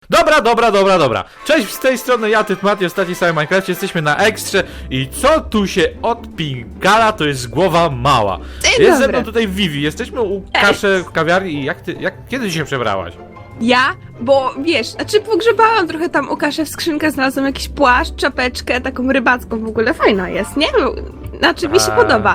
Dobra. Cześć, z tej strony ja, Tytmati, ostatni cały Minecraft, jesteśmy na ekstrze i co tu się odpingala, to jest głowa mała. Jest ze mną tutaj Vivi, jesteśmy u Kaszy w kawiarni i kiedy ty się przebrałaś? Ja? Bo wiesz, pogrzebałam trochę tam u Kaszy w skrzynkę, znalazłam jakiś płaszcz, czapeczkę, taką rybacką w ogóle, fajna jest, nie? Znaczy mi się podoba.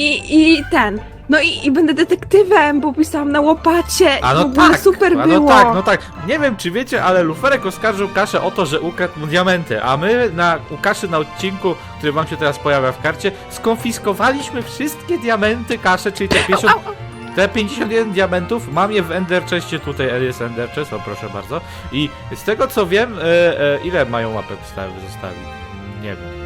I będę detektywem, bo pisałam na łopacie i w ogóle super było. No tak. Nie wiem, czy wiecie, ale Luferek oskarżył Kaszę o to, że ukradł mu diamenty, a my u Kaszy na odcinku, który wam się teraz pojawia w karcie, skonfiskowaliśmy wszystkie diamenty Kaszy, czyli te 51 diamentów, mam je w Ender Chestie, tutaj jest Ender Chest, o proszę bardzo. I z tego co wiem, ile mają łapek zostawić? Nie wiem.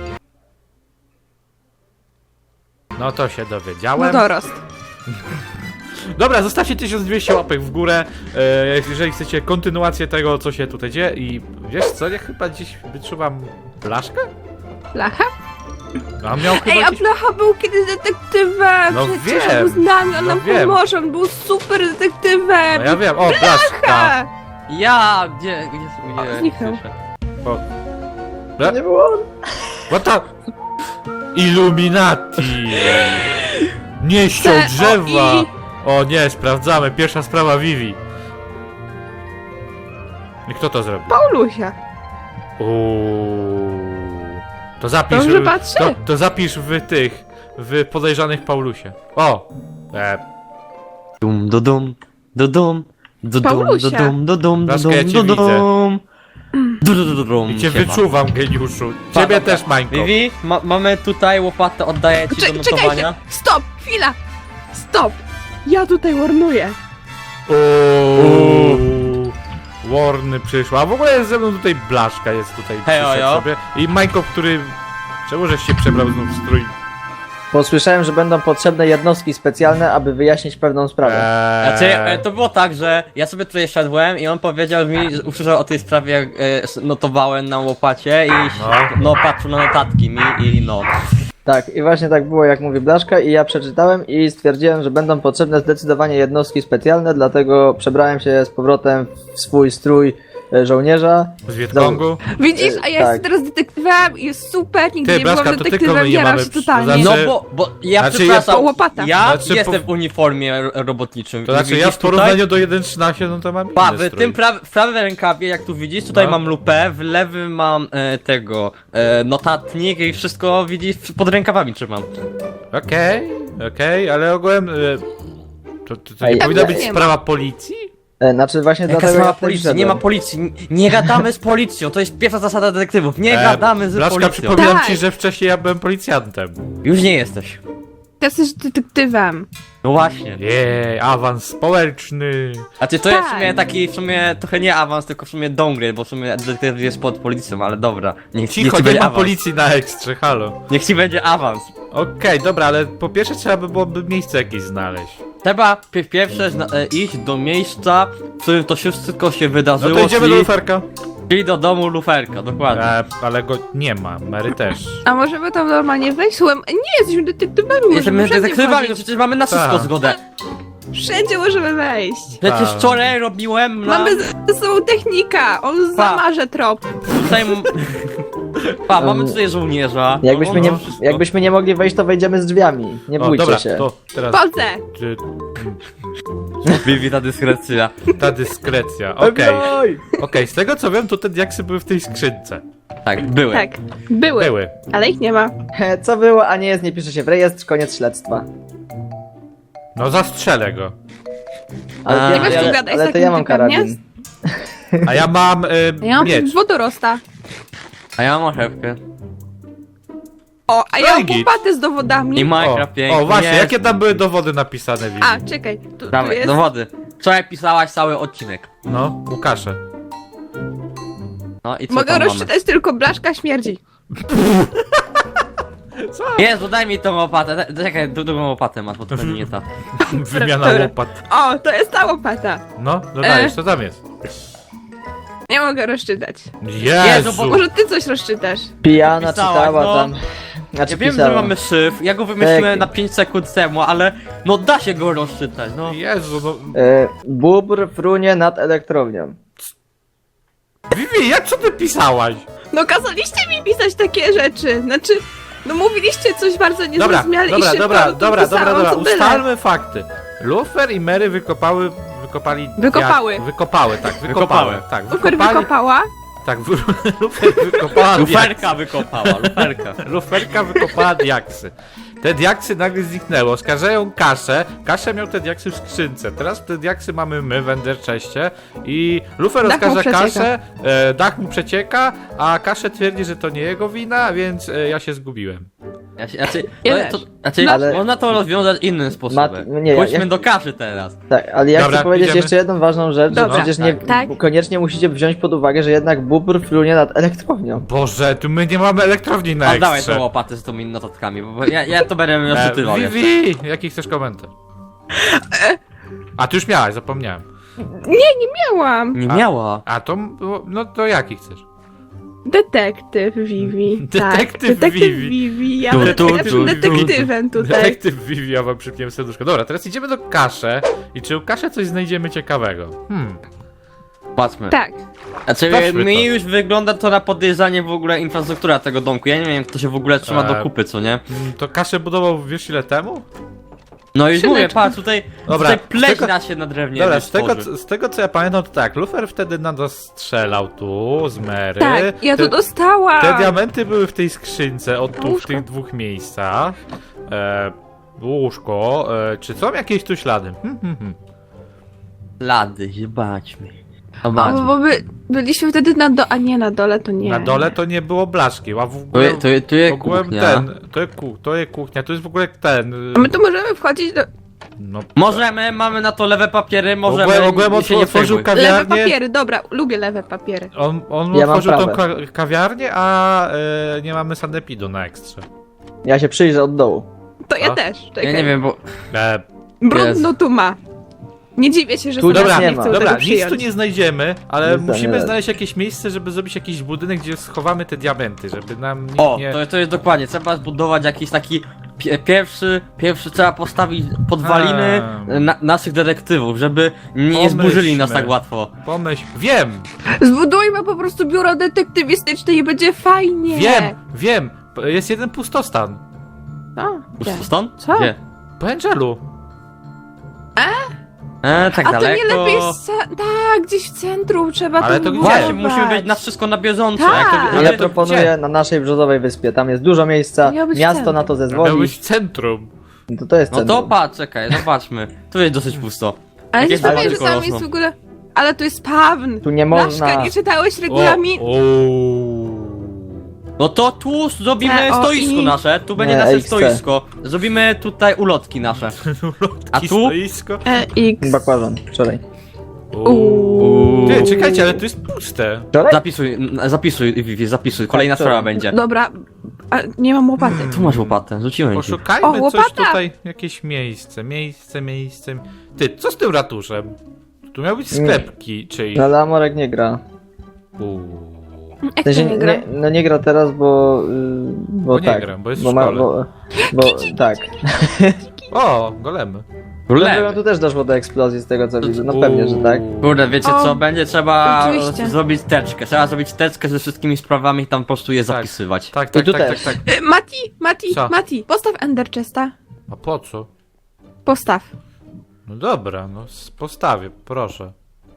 No to się dowiedziałem. No dorost. Dobra, zostawcie 1200 łapek w górę, jeżeli chcecie kontynuację tego, co się tutaj dzieje. I wiesz co, ja chyba dziś wyczuwam blaszkę? Blacha? A miał chyba A Blacha był kiedyś detektywem, No przecież wiem, był z nami, on nam wiem. pomoże, on był super detektywem. No ja wiem, o, blaszka! Ja! Gdzie zniknął. O. Nie było on. What the... Illuminati! Nie ściął drzewa! O nie, sprawdzamy, pierwsza sprawa Vivi. I kto to zrobił? Paulusia. To zapisz. Dobrze patrzę. To zapisz w podejrzanych Paulusie. O! Dum do dum, do dum, do dum, Paulusia. do dum, do dum, do Blaszka, ja dum, cię do widzę. dum. I cię wyczuwam, geniuszu. Ciebie też, Mańko. Vivi, mamy tutaj łopatę, oddaję ci do notowania. Czekajcie, stop, chwila, stop. Ja tutaj warnuję. Warny przyszła. A w ogóle jest ze mną tutaj Blaszka, jest tutaj Hejo, przyszedł jo. sobie. I Mańko, który... Czemu żeś się przebrał znów w strój? Posłyszałem, że będą potrzebne jednostki specjalne, aby wyjaśnić pewną sprawę. Znaczy, to było tak, że ja sobie tutaj szedłem i on powiedział mi, że usłyszał o tej sprawie, jak notowałem na łopacie i patrzył na notatki mi i no. Tak, i właśnie tak było, jak mówi Blaszka, i ja przeczytałem i stwierdziłem, że będą potrzebne zdecydowanie jednostki specjalne, dlatego przebrałem się z powrotem w swój strój żołnierza. Z Wietkongu? Widzisz, a ja Tak. jestem teraz detektywem i jest super, nigdy Ty, nie byłam Blaszka, to tylko my detektywem, nie jaram mamy się totalnie. to No znaczy- bo ja Znaczy, przepraszam, łopata. ja Znaczy, jestem w uniformie robotniczym. To znaczy ja w Widzisz porównaniu tutaj? do 1.13, no to mam Pa, inny w strój. tym w prawym rękawie, jak tu widzisz, tutaj No. mam lupę, w lewym mam notatnik i wszystko widzisz, pod rękawami trzymam. Okej, ale ogółem... To nie Ej, powinna ja być nie ma. sprawa policji? Znaczy właśnie Jaka dlatego sprawa ja tutaj policji? Nie wszedłem. ma policji, nie gadamy z policją, to jest pierwsza zasada detektywów, nie gadamy z Blaszka, policją. przypominam Tak. ci, że wcześniej ja byłem policjantem. Już nie jesteś. Jesteś detektywem. No właśnie. Jej, awans społeczny. Znaczy to jest w Tak. sumie taki, w sumie trochę nie awans, tylko w sumie downgrade, bo w sumie detektyw jest pod policją, ale dobra. Niech Cicho, ci nie będzie ma awans. policji na ekstrze, halo. Niech ci będzie awans. Okej, dobra, ale po pierwsze trzeba by byłoby miejsce jakieś znaleźć. Trzeba pierwsze iść do miejsca, w którym to wszystko się No wydarzyło, to idziemy do luferka. czyli do domu luferka, dokładnie. Ale go nie ma, Mary też. A możemy tam normalnie wejść? Słuchaj, nie, jesteśmy detektywami, możemy Jesteśmy wszędzie detektywami, no wchodzić. przecież mamy na wszystko Tak. zgodę. Wszędzie możemy wejść. Przecież Tak. wczoraj robiłem na... Mamy ze sobą technika, on zamarze trop. Tutaj... mamy tutaj żołnierza. Jakbyśmy nie mogli wejść, to wejdziemy z drzwiami. Nie O, bójcie dobra, się. to teraz Chodzę. Vivi, ta dyskrecja. ta dyskrecja. Okej, Oj! z tego co wiem, to te diaksy były w tej skrzynce. Tak, były. Tak, były, ale ich nie ma. Co było, a nie jest, nie pisze się w rejestr, koniec śledztwa. No zastrzelę go. Ale, Nie weź tu gadaj z ale to takim ja mam typem, nie? karabin. A ja mam Ja mam miecz. wodorosta. A ja mam orzewkę. O, a ja mam Git. łopatę z dowodami. I Minecraft piękny. O właśnie, jest. jakie tam były dowody napisane, Vivi? A, czekaj, tu Dawaj, jest... dowody. Wczoraj pisałaś cały odcinek. No, Łukasze. No i co Mogę tam mamy? rozczytać tylko Blaszka śmierdzi. Jezu, daj mi tą łopatę. Czekaj, drugą łopatę masz, bo to będzie nie ta. Wymiana Dobra. łopat. O, to jest ta łopata. No, dodajesz, co tam jest? Nie mogę rozczytać. Jezu! bo- Może ty coś rozczytasz? Pijana Pisałaś, czytała no. tam. Znaczy Ja wiem, pisała. że mamy szyf, ja go wymyśliłem Tak. na 5 sekund temu, ale no da się go rozczytać, no. Jezu, no... Bóbr frunie nad elektrownią. Vivi, jak co ty pisałaś? No kazaliście mi pisać takie rzeczy. Znaczy, no mówiliście coś bardzo niezrozumiale i szybko, no to pisałam, co byle. Ustalmy fakty. Lufer i Mary wykopali... Wykopały. Tak, Lufer wykopała. Tak, Lufer wykopała Luferka wykopała, luferka. Luferka wykopała diaksy. Te diaksy nagle zniknęły. Oskarżają Kaszę. Kaszę miał te diaksy w skrzynce. Teraz te diaksy mamy my w Enderchestie. I Lufer Dach mu oskarża przecieka. Kaszę. Dach mu przecieka, a Kaszę twierdzi, że to nie jego wina, więc ja się zgubiłem. Ja też. Ale- można to rozwiązać innym sposobem. nie, Pójdźmy ja- do kaszy teraz. Tak, ale ja Dobra, chcę powiedzieć idziemy. jeszcze jedną ważną rzecz, że Dobra, przecież nie, tak. koniecznie musicie wziąć pod uwagę, że jednak bubr flunie nad elektrownią. Boże, tu my nie mamy elektrowni na Oddawaj ekstrze. tą łopatę z tymi notatkami, bo ja to będę rozczytywał jeszcze. Vivi, jaki chcesz komentarz? A ty już miałaś, zapomniałem. Miałam. Nie miała. A to, no to jaki chcesz? Detektyw Vivi. Detektyw tak. Vivi. Detektyw Vivi. Ja Tu, będę tu, najlepszym tu, detektywem tutaj. Detektyw Vivi, ja wam przypniłem serduszko. Dobra, teraz idziemy do Kaszę i czy u Kaszę coś znajdziemy ciekawego? Patrzmy. Tak. Znaczy, Sprawdźmy mi to. już wygląda to na podejrzanie w ogóle infrastruktura tego domku. Ja nie wiem, jak to się w ogóle trzyma do kupy, co nie? To Kaszę budował wiesz ile temu? No już Szyneczku. mówię, patrz, tutaj Dobra, pleśna się na drewnie Dobra, tworzy. z tego co ja pamiętam to tak, Lufer wtedy na nas strzelał tu, z Mary. Tak, ja to te, dostałam. te diamenty były w tej skrzynce, tu w Łóżko. tych dwóch miejscach. Łóżko, czy są jakieś tu ślady? Lady, zobaczmy. O, Zobaczmy. bo byliśmy wtedy na dole, a nie na dole to nie. Na dole to nie było blaszki, a w Tu ogóle... jest w ogóle kuchnia. to jest kuchnia, to jest w ogóle ten... A my tu możemy wchodzić do... No, Możemy, mamy na to lewe papiery, możemy. ogółem się nie otworzył przejmuj. Lewe kawiarnię. papiery, dobra, lubię lewe papiery. On Ja mam otworzył tą prawe. kawiarnię, a nie mamy sanepidu na ekstrze. Ja się przyjrzę od dołu. To ja A? też, czekaj. Ja nie wiem, bo. Brudno tu ma. Nie dziwię się, że Tu sobie Dobra, nie nie ma. chcą dobra, tego nic przyjąć. tu nie znajdziemy, ale Nic musimy nie. znaleźć jakieś miejsce, żeby zrobić jakiś budynek, gdzie schowamy te diamenty, żeby nam nikt O, nie... to jest dokładnie. Trzeba zbudować jakiś taki. Pierwszy trzeba postawić podwaliny naszych detektywów, żeby nie zburzyli nas tak łatwo. Pomyśl, wiem, Zbudujmy po prostu biuro detektywistyczne i będzie fajnie. wiem, jest jeden pustostan. O, gdzie? Stąd? Co? Gdzie? Po Angelu. Tak A daleko. to nie lepiej tak, gdzieś w centrum trzeba Ale to to gdzie? Właśnie, budować. musimy być na wszystko na bieżąco. Tak. Jak to, Ale Ja to proponuję gdzie? na naszej brzozowej wyspie, tam jest dużo miejsca, Miał być miasto centrum. na to Miał zezwoli, być centrum. to jest No to centrum. patrz, czekaj, zobaczmy. Tu jest dosyć pusto. Ale nie Jakieś powiem, że tylko tam rosną. jest w ogóle... Ale tu jest spawn. Tu nie Blaszka, można. nie czytałeś regulamin? No to tu zrobimy TOI. stoisko nasze, tu będzie Nie, nasze XC. stoisko. Zrobimy tutaj ulotki nasze. A tu? Stoisko. X. Bakłażan, wczoraj. Uuu. Ty, czekajcie, ale to jest puste. Wczoraj? Zapisuj, Vivi, zapisuj. Kolejna Tak, sprawa tak. będzie. Dobra, a nie mam łopaty. Tu masz łopatę, rzuciłem ci. Poszukajmy O, coś łopata! tutaj, jakieś miejsce. Ty, co z tym ratuszem? Tu miał być sklepki czyjś. No ale Amorek nie gra. Jak W sensie, to nie gra? no nie gra teraz, bo... Bo nie tak. gram, bo jest w bo szkole. bo tak. O, golemy. No, tu też doszło do eksplozji z tego co widzę, no pewnie, że tak. Kurde, wiecie O, co, będzie trzeba oczywiście. zrobić teczkę. Trzeba zrobić teczkę ze wszystkimi sprawami i tam po prostu je zapisywać. Tak, I tak, tu tak, tak, też. tak. Co? Mati, postaw Ender Chesta. A po co? Postaw. No dobra, no postawię, proszę.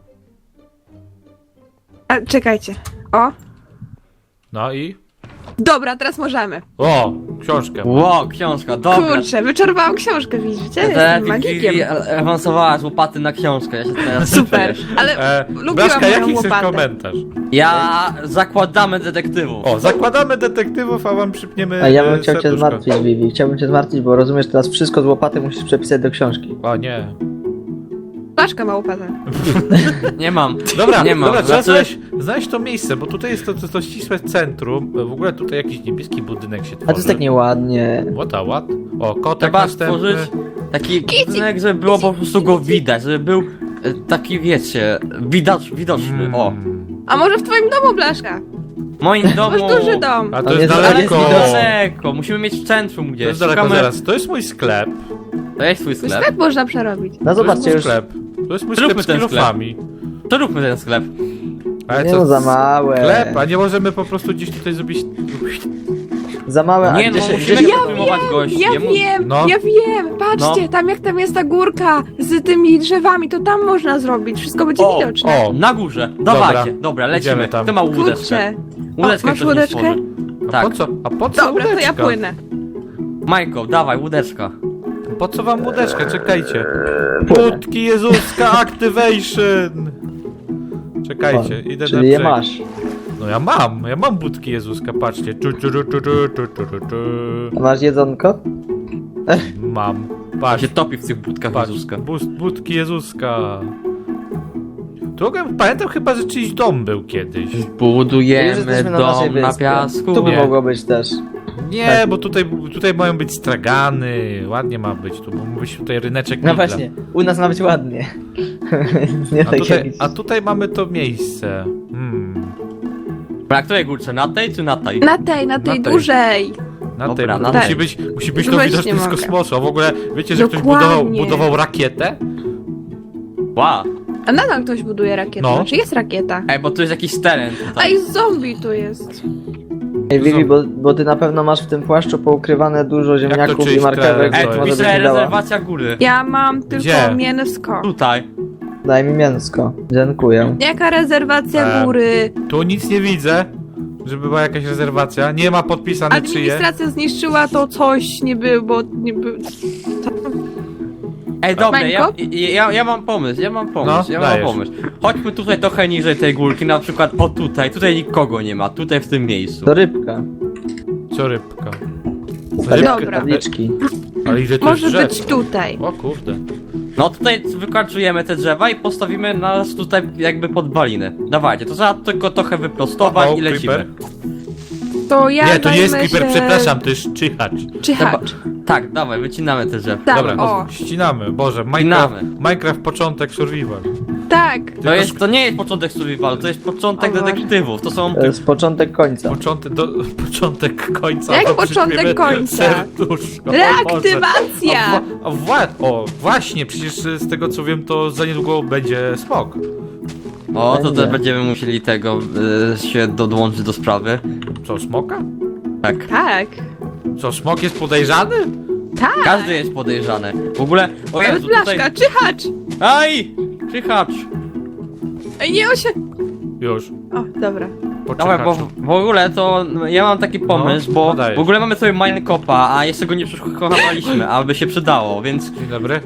A, czekajcie. O. No i? Dobra, teraz możemy. O, książkę. Ło, książka, dobra. Kurczę, wyczerpałam książkę, widzicie? Te Jestem magikiem. Vivi awansowała z łopaty na książkę, ja się teraz Super, czuję. ale lubiłam Blaszka, moją jaki chcesz łopatę. komentarz? Ja zakładamy detektywów. O, zakładamy detektywów, a wam przypniemy A ja bym chciał cię serduszko. zmartwić, Vivi. Chciałbym cię zmartwić, bo rozumiesz, teraz wszystko z łopaty musisz przepisać do książki. O nie. Blaszka ma łopatę. Nie mam. Dobra, Nie mam, dobra, trzeba znaczy- znaleźć to miejsce, bo tutaj jest to ścisłe centrum. W ogóle tutaj jakiś niebieski budynek się tworzy. A to jest tak nieładnie. What? O, kotek Trzeba następny. stworzyć taki budynek, żeby było po prostu go widać, żeby był taki, wiecie, widoczny. O, A może w twoim domu, Blaszka? w moim domu... Masz duży dom. A to On jest jest Ale jest daleko. daleko, musimy mieć w centrum To gdzieś. jest daleko Szukamy- zaraz. To jest mój sklep. To jest twój Twój sklep. sklep można przerobić. No To jest zobaczcie mój już. sklep. To jest mój Zróbmy sklep z ten sklep. kilofami. To róbmy ten sklep. Ale Nie co, no, za małe. Chleb, a nie możemy po prostu gdzieś tutaj zrobić... Za małe, a Nie no, gdzie się... musimy Gdzie się... się filmować gości. Ja No. wiem, patrzcie, No. tam jak tam jest ta górka z tymi drzewami, to tam można zrobić, wszystko będzie O, widoczne. O, Na górze, dawajcie, dobra, lecimy. Idziemy tam. Kto ma łódeczkę? Kurczę. Łódeczkę masz ktoś mi łódeczkę? stworzy. a Tak, po co? A po co Dobra, to ja łódeczka? płynę. Majko, dawaj, łódeczka. Po co wam łódeczka? Czekajcie. Budki Jezuska Activation! Czekajcie, idę na Czyli je brzeg. masz. No ja mam budki Jezuska, patrzcie. A masz jedzonko? Mam. A Patrz, się topi w tych budkach patrz. Jezuska. Budki Jezuska. Pamiętam chyba, że czyjś dom był kiedyś. Już Budujemy jesteśmy na naszej dom na wyspie. piasku. Tu by Nie. mogło być też. Nie, Tak. bo tutaj mają być stragany. Ładnie ma być tu, bo ma być tutaj ryneczek No Lidla. właśnie, u nas ma być ładnie. Nie A tak tutaj, jak... a tutaj mamy to miejsce. Na której górce? Na tej czy na tej? Na tej Na tej. dużej. Na Dobra, tej, na musi tej. być to Weź widoczne nie z mogę. kosmosu. A w ogóle wiecie, że ktoś Dokładnie. budował rakietę? Wow. A nadal ktoś buduje rakietę, No. znaczy jest rakieta. Ej, bo tu jest jakiś teren A tutaj. i zombie tu jest. Ej, Vivi, bo ty na pewno masz w tym płaszczu poukrywane dużo ziemniaków czyjś i marchewek, teren? Ej, to tu może jest. byś pisze mi dała. rezerwacja góry. Ja mam tylko Gdzie? mięsko. Tutaj. Daj mi mięsko. Dziękuję. Jaka rezerwacja góry? Tu nic nie widzę, żeby była jakaś rezerwacja. Nie ma podpisane czyje. Administracja zniszczyła to coś, nie było, nie było... Ej, dobra, Mańko? ja mam pomysł, ja mam dajesz. pomysł. Chodźmy tutaj trochę niżej tej górki, na przykład o tutaj nikogo nie ma, tutaj w tym miejscu. To rybka. Co rybka? Dobra. Tabliczki. Ale ile tu jest Może drzew? być tutaj. O kurde. No tutaj wykarczujemy te drzewa i postawimy nas tutaj jakby pod balinę. Dawajcie, to trzeba tylko trochę wyprostować O, i lecimy. creeper. To ja Nie, to nie jest zajmę creeper, się... przepraszam, to jest czyhacz. Czyhacz. Tak, dawaj, wycinamy te drzewa. Tak, Dobra, o. ścinamy. Boże, Ścinamy. Minecraft początek survival. Tak. To nie jest początek survivalu, to jest początek O Boże. detektywów, to są... To jest początek końca. Początek końca. Jak to początek przyśpiemy końca? Serduszko. O Boże. Reaktywacja! O, właśnie, przecież z tego co wiem, to za niedługo będzie smok. O, to Będzie. też będziemy musieli tego się dołączyć do sprawy. Co, smoka? Tak. Tak. Co, smok jest podejrzany? Tak. Każdy jest podejrzany. W ogóle, o Nawet Jezu, blaszka, tutaj... czyhacz! Aj! Czyhacz! Ej, nie się... Już. O, dobra. Dawaj, bo w ogóle to ja mam taki pomysł, No, bo dajesz. w ogóle mamy sobie Minecopa, a jeszcze go nie przekonaliśmy, aby się przydało, więc Dzień dobry.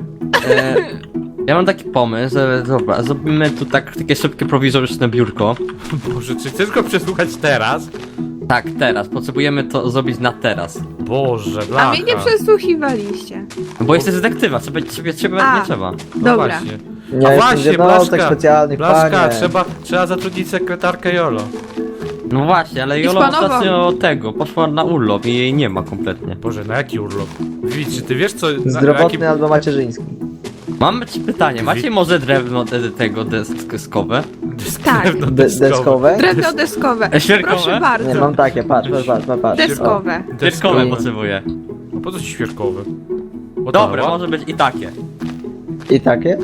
ja mam taki pomysł, że dobra, zrobimy tu takie szybkie prowizoryczne biurko. Boże, czy chcesz go przesłuchać teraz? Tak, teraz, potrzebujemy to zrobić na teraz. Boże, A blacha. mnie nie przesłuchiwaliście. Bo jesteś detektywa, ciebie A. nie trzeba. No Dobra. właśnie. Nie, A jestem właśnie, z jednostek Blaszka, specjalnych, Blaszka, panie. trzeba zatrudnić sekretarkę Jolo. No właśnie, ale Jola Hiszpanowo. ostatnio poszła na urlop i jej nie ma kompletnie. Boże, na jaki urlop? Widz, czy ty wiesz co... Zdrowotny albo macierzyński. Mam ci pytanie, macie może drewno tego deskowe? Tak. Deskowe? Drewno deskowe. Świerkowe? Proszę Nie, bardzo. mam takie, patrz. Deskowe. Deskowe I- potrzebuję. A po co ci świerkowy? Dobra, może być i takie. I takie?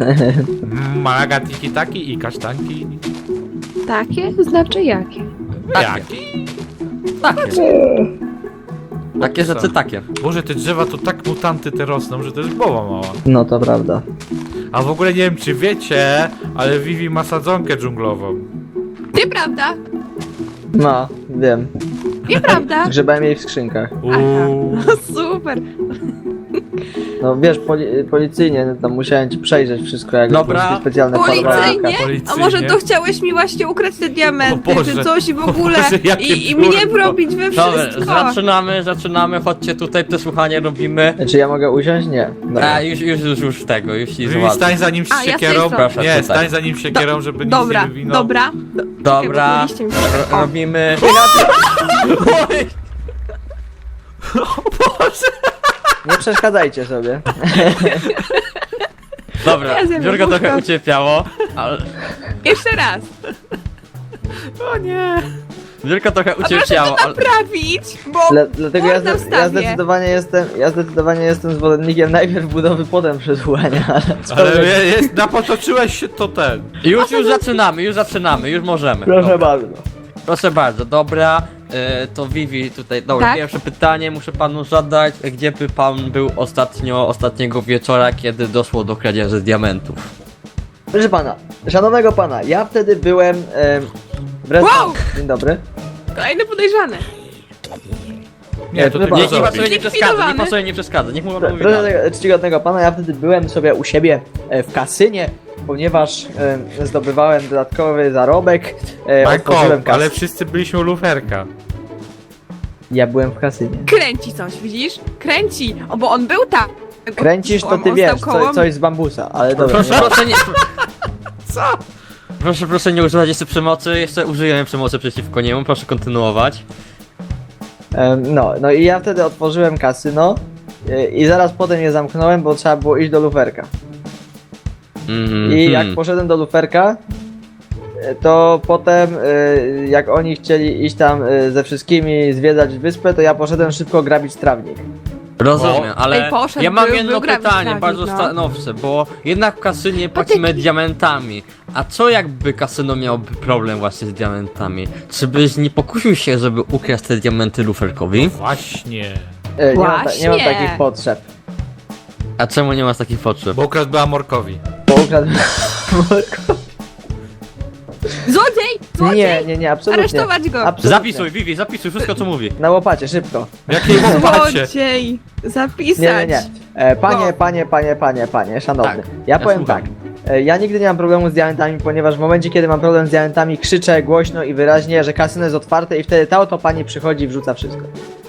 Malaga tiki taki i kasztanki. Takie? Znaczy jakie? Jaki? Takie. Takie rzeczy takie. Boże, te drzewa to tak mutanty te rosną, że to jest głowa mała. No to prawda. A w ogóle nie wiem czy wiecie, ale Vivi ma sadzonkę dżunglową. Nieprawda. No, wiem. Nieprawda. Grzebałem jej w skrzynkach. Uuu. No super. No wiesz, policyjnie tam musiałem ci przejrzeć wszystko, jak Dobra. wszystkie specjalne Policyjnie? farmatka. A Policyjnie. może to chciałeś mi właśnie ukraść te diamenty, O Boże. czy coś i w O ogóle Boże, jakie i pióro. mnie wrobić we Dobra, wszystko. zaczynamy, chodźcie tutaj, przesłuchanie robimy. Czy ja mogę usiąść? Nie. Dobra. A, już tego, już ci Vivi, załatwię. stań za nim A, ja z tej siekierą. strony. Proszę, Nie, tutaj. stań za nim siekierą, żeby nic Dobra, nie wywinął. dobra. Dobra, Okej, bo mieliście mi- O. robimy... Nie przeszkadzajcie sobie. Dobra, Ja zjem biurko trochę jabłko. ucierpiało, ale... Jeszcze raz. O nie. Wielka trochę A proszę ucierpiała, to ale... naprawić, bo Dlatego błąd na wstawie. ja zdecydowanie jestem zwolennikiem najpierw budowy, potem przesuwania, Ale napotoczyłeś się to ten. Już zaczynamy, już możemy. Proszę Dobra. bardzo. Proszę bardzo, dobra. To Vivi tutaj, dobra, Tak? pierwsze pytanie muszę panu zadać. Gdzie by pan był ostatniego wieczora, kiedy doszło do kradzieży diamentów? Proszę pana, szanownego pana, ja wtedy byłem w restauracji. Wow! Dzień dobry. Kolejny podejrzany. Nie, to Nie, ty Niech pan zrobisz. sobie nie przeszkadza, niech pan Zlikwidowany. sobie nie przeszkadza, niech mu pan mówi Proszę dalej. tego czcigodnego pana, ja wtedy byłem sobie u siebie w kasynie, ponieważ zdobywałem dodatkowy zarobek. Majko, Otworzyłem kasę. ale wszyscy byliśmy u luferka. Ja byłem w kasynie. Kręci coś, widzisz? Kręci. O, bo on był tam. Kręcisz, to On ty wiesz, stał koło coś z bambusa, ale dobra. Proszę nie... Co? Proszę nie używać jeszcze przemocy, jeszcze użyjemy przemocy przeciwko niemu, proszę kontynuować. No i ja wtedy otworzyłem kasyno i zaraz potem je zamknąłem, bo trzeba było iść do luferka. I jak poszedłem do luferka, to potem jak oni chcieli iść tam ze wszystkimi zwiedzać wyspę, to ja poszedłem szybko grabić trawnik. Rozumiem, ale Ej, poszedł, ja mam był jedno grabić pytanie, trawnik, bardzo no. stanowcze, bo jednak w kasynie płacimy diamentami. A co jakby kasyno miałoby problem właśnie z diamentami? Czy byś nie pokusił się, żeby ukraść te diamenty luferkowi? Właśnie. Nie mam Właśnie. takich potrzeb. A czemu nie masz takich potrzeb? Bo ukradł była Morkowi. Bo ukradłem... Złodziej! Nie, absolutnie. Aresztować go! Absolutnie. Zapisuj, Vivi, zapisuj wszystko co mówi. Na łopacie, szybko. Jakiej łopacie? Złodziej! Zapisać! Nie. Panie, szanowny. Tak, Ja ja powiem słucham. tak. Ja nigdy nie mam problemu z diamentami, ponieważ w momencie, kiedy mam problem z diamentami, krzyczę głośno i wyraźnie, że kasyno jest otwarte i wtedy ta oto pani przychodzi i wrzuca wszystko.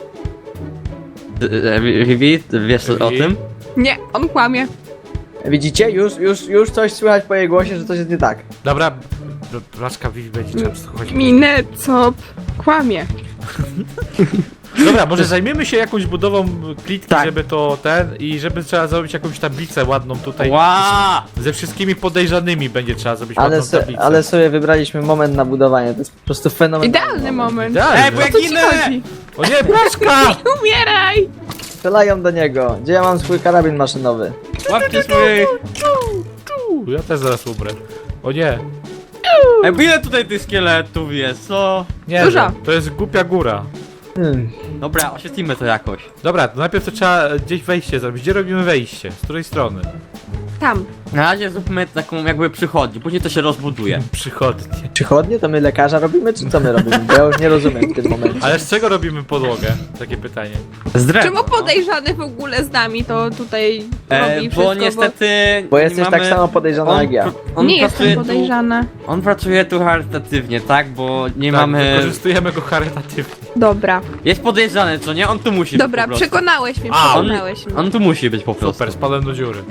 Vivi, wiesz o Vivi? tym? Nie, on kłamie. Widzicie? Już coś słychać po jej głosie, że coś jest nie tak. Dobra, Blaszka Vivi będzie często chodzić. Minecop kłamie. Dobra, może zajmiemy się jakąś budową klitki, Tak. żeby to i żeby trzeba zrobić jakąś tablicę ładną tutaj. Ła! Ze wszystkimi podejrzanymi będzie trzeba zrobić ładną tablicę. Ale sobie wybraliśmy moment na budowanie, to jest po prostu fenomenalny Idealny moment. Idealnie. Ej, bo O jak co ci ginę! chodzi? O nie, Blaszka! Nie umieraj! Strzelają do niego. Gdzie ja mam swój karabin maszynowy? Łapcie swój... Ja też zaraz umrę. O nie. Ej, bo ile tutaj tych szkieletów jest, co? Nie, Dużo. że to jest głupia góra. Dobra, oświetlimy to jakoś. Dobra, to najpierw to trzeba gdzieś wejście zrobić. Gdzie robimy wejście? Z której strony? Tam. Na razie zróbmy taką jakby przychodnię, później to się rozbuduje. Przychodnie. Przychodnie? To my lekarza robimy, czy co my robimy? Bo ja już nie rozumiem w tym momencie. Ale z czego robimy podłogę? Takie pytanie. Z drewna, Czemu podejrzany w ogóle z nami to tutaj robi Bo wszystko, niestety... Bo nie jesteś mamy- tak samo podejrzana jak ja. on Nie pracuje jestem podejrzana. On pracuje tu charytatywnie, tak? Bo nie Tak, mamy... wykorzystujemy go charytatywnie. Dobra. Jest podejrzany, co nie? On tu musi Dobra, być po prostu. przekonałeś mnie, A, przekonałeś mnie. On tu musi być po prostu. Super, spadłem do dziury.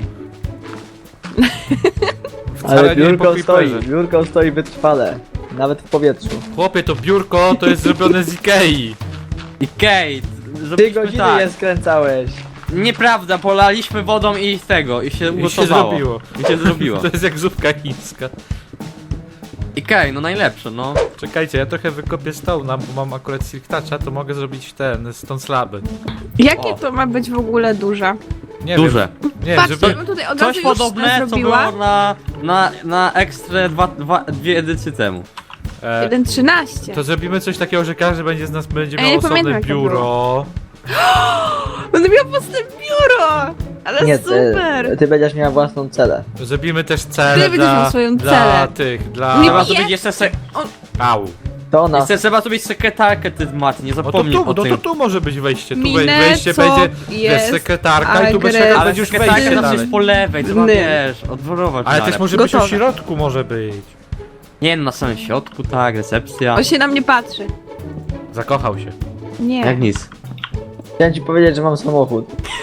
Ale Wcale nie po biurko stoi wytrwale. Nawet w powietrzu. Chłopie, to biurko to jest zrobione z Ikei. I Kate, 3 zrobiliśmy godziny tak. je skręcałeś. Nieprawda, polaliśmy wodą i z tego, i się I się ugotowało. zrobiło. I się zrobiło. To jest jak zupka chińska. I Kate, no najlepsze, no. Czekajcie, ja trochę wykopię stołna, bo mam akurat silk toucha, to mogę zrobić ten, stone slaby. Jakie O. to ma być w ogóle duże? Nie Duże. wiem. Nie, Patrz, żeby... to bym tutaj od razu Coś już podobne, co zrobiła. było na Extra dwie edycje temu. 1.13. To zrobimy coś takiego, że każdy będzie z nas będzie Ja miał nie pamiętam, osobne jak to biuro. Będę miał własne biuro! Ale Nie, super! ty będziesz miała własną celę. Zrobimy też cele Ty będziesz miał swoją dla celę. tych, dla... Nie Trzeba je- zrobić jeszcze Au. To ona. trzeba zrobić sekretarkę ty w macie, nie No to zapomnij tu, o tym. tu może być wejście. Tu Minę, wejście co będzie jest bez sekretarka i tu bez agres- sekretarka Ale będzie już sekretarka wejście zawsze dalej. jest po lewej, trzeba Nie. wiesz, odworować. Ale dalej. też może być Gotowe. w środku może być. Nie, no na samym środku, tak, recepcja. On się na mnie patrzy. Zakochał się. Nie. Jak nic. Chciałem ci powiedzieć, że mam samochód.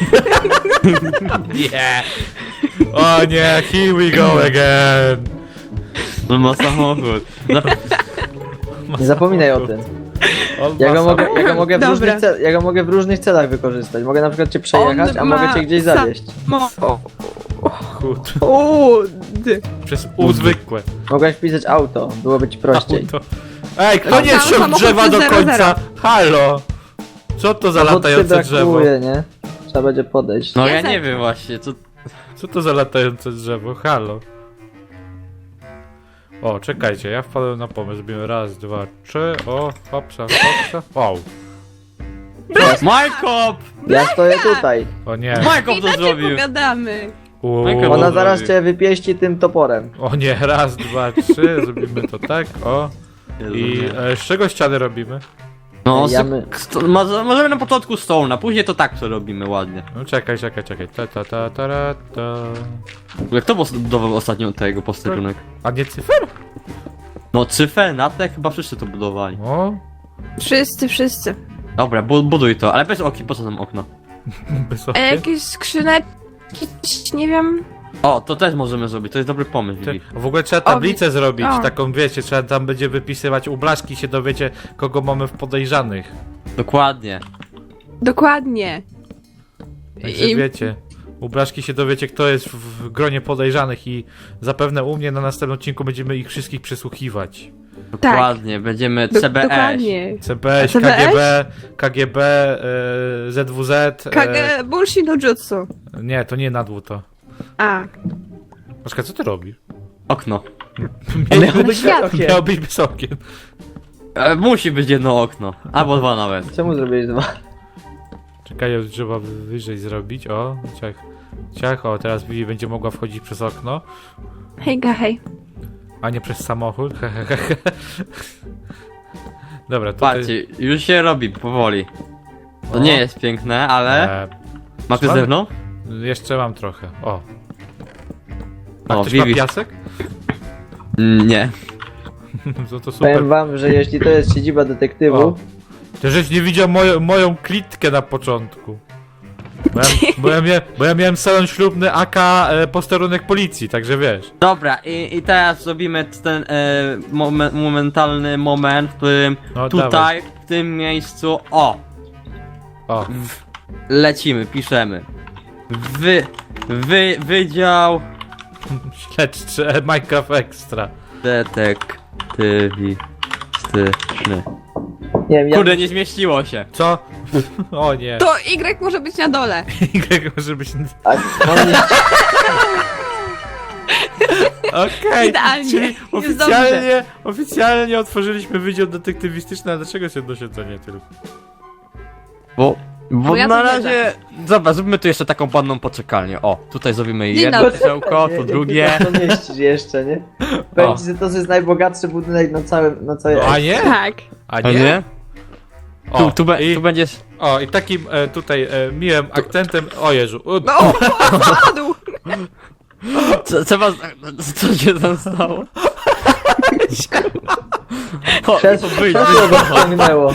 Nie. O nie, here we go again. No ma samochód. Nie zapominaj o tym. On Ja ma go mogę, samochód. Dobra. ja go mogę w różnych celach wykorzystać. Mogę na przykład cię przejechać, On a mogę ma cię gdzieś zawieźć. Chód. Ud. Przez U zwykłe. Mogłaś wpisać auto, byłoby ci prościej. Auto. Ej, kto nie Tam wsiął samochód drzewa do 0-0. końca? Halo! Co to za No bo ty latające drzewo? brakuje, nie? Trzeba będzie podejść. No Ja ja nie zepnę. wiem właśnie, co... Co to za latające drzewo? Halo. O, czekajcie, ja wpadłem na pomysł. Zrobimy raz, dwa, trzy. O, hopsa, hopsa. Wow. Majkop! Ja stoję tutaj. O nie. Majkop to Inaczej zrobił! pogadamy. Uuu. Ona zaraz cię wypieści tym toporem. O nie, raz, dwa, trzy. Zrobimy to tak, o. I z czego ściany robimy? No, Ja my- możemy na początku stone, później to tak co robimy ładnie. No czekaj. Ta. W ogóle kto budował ostatnio tego posterunek? A nie cyfer? No Cyfer, Natek, chyba wszyscy to budowali. O, Wszyscy. Dobra, buduj to, ale bez okien, po co nam okno? bez A okien. jakieś skrzyneczki, nie wiem. O, to też możemy zrobić, to jest dobry pomysł, Ty, Vivi. w ogóle trzeba tablicę zrobić, o. taką wiecie, trzeba tam będzie wypisywać u blaszki, się dowiecie, kogo mamy w podejrzanych. Dokładnie. Dokładnie. Także I- wiecie, u blaszki się dowiecie, kto jest w gronie podejrzanych i zapewne u mnie na następnym odcinku będziemy ich wszystkich przesłuchiwać. Dokładnie, będziemy CBS. Dokładnie. CBS, CBS? KGB, ZWZ. Kage bullshit no jutsu. Nie, to nie nadłu to. A. Blaszka, co ty robisz? Okno. Miał być świat. okien. Miał być bez okien. Musi być jedno okno, albo dwa nawet. Czemu zrobiłeś dwa? Czekaj, ja trzeba wyżej zrobić, o, ciach, o, teraz Vivi będzie mogła wchodzić przez okno. Hejga, hej. A nie przez samochód. Dobra, tutaj. Patrzcie, już się robi powoli. To O. nie jest piękne, ale... Macie mam- ze mną? Jeszcze mam trochę. O. A O, ktoś ma Vivi. piasek? Nie. No to super. Powiem wam, że jeśli to jest siedziba detektywu, O. Ty żeś nie widział moją klitkę na początku. Bo ja miałem salon ślubny AK posterunek policji, także wiesz. Dobra, i teraz zrobimy ten momentalny moment, w którym No, tutaj, dawaj. w tym miejscu, o, O. lecimy, piszemy. Wydział Śledczy Minecraft Extra. detektywistyczny. nie wiem, ja Kurde, nie zmieściło się. Co? O nie. To Y może być na dole. Y może być... a, on nie, Okej, Idealnie. czyli Jest oficjalnie otworzyliśmy wydział detektywistyczny, a dlaczego się nie tylko? Bo ja na to razie... Dobra, zróbmy tu jeszcze taką panną poczekalnię. O, tutaj zrobimy Dzień jedno dobry. krzesełko, nie, tu nie, drugie. To mieścisz jeszcze, nie? Powiem ci, że to jest najbogatszy budynek na całej A nie? Tak. A A nie? nie? O, Tu będziesz... o, i takim tutaj miłym akcentem, o Jezu, No, padł. Trzeba... Co się tam stało? O, Krzesło wyjdź, go wciągnęło.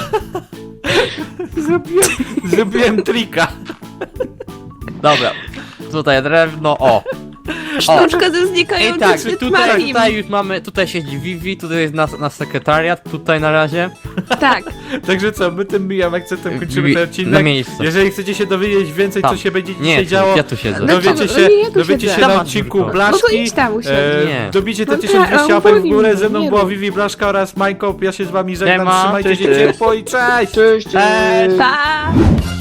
zrobiłem trika. Dobra, tutaj drewno, o. Sztuczka ze I znikającym tak, Tytmarim. tutaj już mamy, tutaj siedzi Vivi, tutaj jest nasz sekretariat, tutaj na razie. Tak. Także co, my tym miłym akcentem kończymy ten Na odcinek. miejscu. Jeżeli chcecie się dowiedzieć więcej, co Tam. się będzie Nie, dzisiaj działo, ja tu siedzę. No dowiecie co, się, no nie, ja tu dowiecie siedzę. się na Dawaj, odcinku Jurko. No to Blaszki. idź tam usiądź. Nie. Dobicie te No 1200 tak, łapek w powinien, górę, ze mną nie była rób. Vivi Blaszka oraz Majko. Ja się z wami żegnam, ma, trzymajcie cześć, się cześć. ciepło i cześć! Cześć, cześć. Pa!